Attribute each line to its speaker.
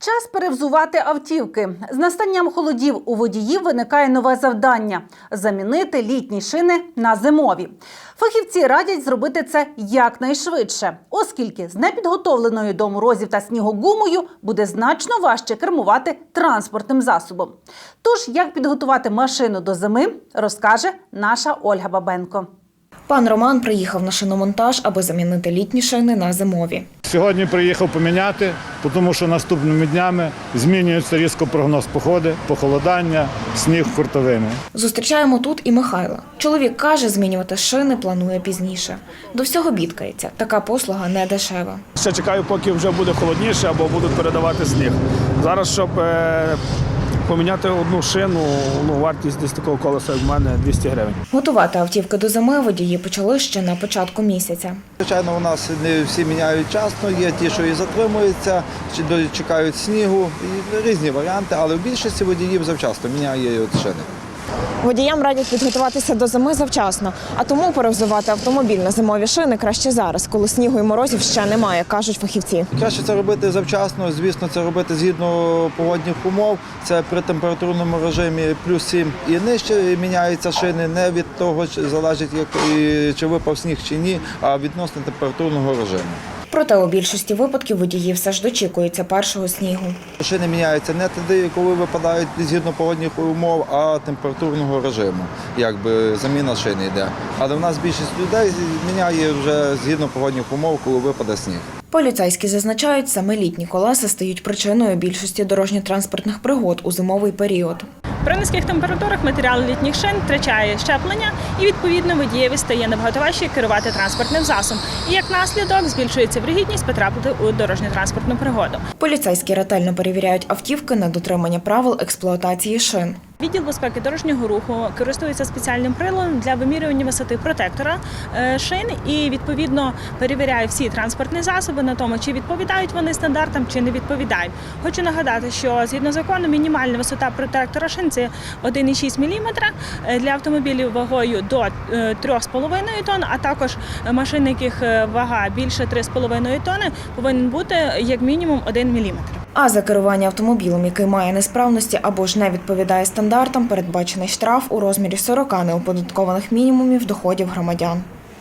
Speaker 1: Час перевзувати автівки. З настанням холодів у водіїв виникає нове завдання – замінити літні шини на зимові. Фахівці радять зробити це якнайшвидше, оскільки з непідготовленою до морозів та снігу гумою буде значно важче кермувати транспортним засобом. Тож, як підготувати машину до зими, розкаже наша Ольга Бабенко.
Speaker 2: Пан Роман приїхав на шиномонтаж, аби замінити літні шини на зимові.
Speaker 3: Сьогодні приїхав поміняти, тому що наступними днями змінюється різко прогноз погоди, похолодання, сніг хуртовини.
Speaker 2: Зустрічаємо тут і Михайла. Чоловік каже, змінювати шини планує пізніше. До всього бідкається. Така послуга не дешева.
Speaker 4: Ще чекаю, поки вже буде холодніше або будуть передавати сніг. Зараз, щоб поміняти одну шину, вартість десь такого колеса, як в мене, 200 гривень.
Speaker 2: Готувати автівки до зими водії почали ще на початку місяця.
Speaker 5: Звичайно, у нас не всі міняють вчасно, є ті, що і затримуються, чи чекають снігу, і різні варіанти, але в більшості водіїв завчасно міняють шини.
Speaker 6: Водіям радять підготуватися до зими завчасно, а тому перевзувати автомобіль на зимові шини краще зараз, коли снігу і морозів ще немає, кажуть фахівці.
Speaker 5: Краще це робити завчасно, звісно, це робити згідно погодних умов. Це при температурному режимі плюс 7 і нижче міняються шини, не від того, залежить, чи випав сніг чи ні, а відносно температурного режиму.
Speaker 2: Проте у більшості випадків водії все ж дочікуються першого снігу.
Speaker 5: Шини міняються не тоді, коли випадають згідно погодних умов, а температурного режиму. Якби заміна шини йде. Але в нас більшість людей міняє вже згідно погодних умов, коли випаде сніг.
Speaker 2: Поліцейські зазначають, саме літні колеса стають причиною більшості дорожньо-транспортних пригод у зимовий період.
Speaker 7: При низьких температурах матеріал літніх шин втрачає щеплення і, відповідно, водієві стає набагато важче керувати транспортним засобом. І, як наслідок, збільшується вірогідність потрапити у дорожньо-транспортну пригоду.
Speaker 2: Поліцейські ретельно перевіряють автівки на дотримання правил експлуатації шин.
Speaker 7: Відділ безпеки дорожнього руху користується спеціальним приладом для вимірювання висоти протектора шин і, відповідно, перевіряє всі транспортні засоби на тому, чи відповідають вони стандартам, чи не відповідають. Хочу нагадати, що, згідно закону, мінімальна висота протектора шин – це 1,6 мм для автомобілів вагою до 3,5 тонн, а також машин, яких вага більше 3,5 тонни, повинен бути як мінімум 1 мм.
Speaker 2: А за керування автомобілем, який має несправності або ж не відповідає стандартам, передбачений штраф у розмірі 40 неоподаткованих мінімумів доходів громадян.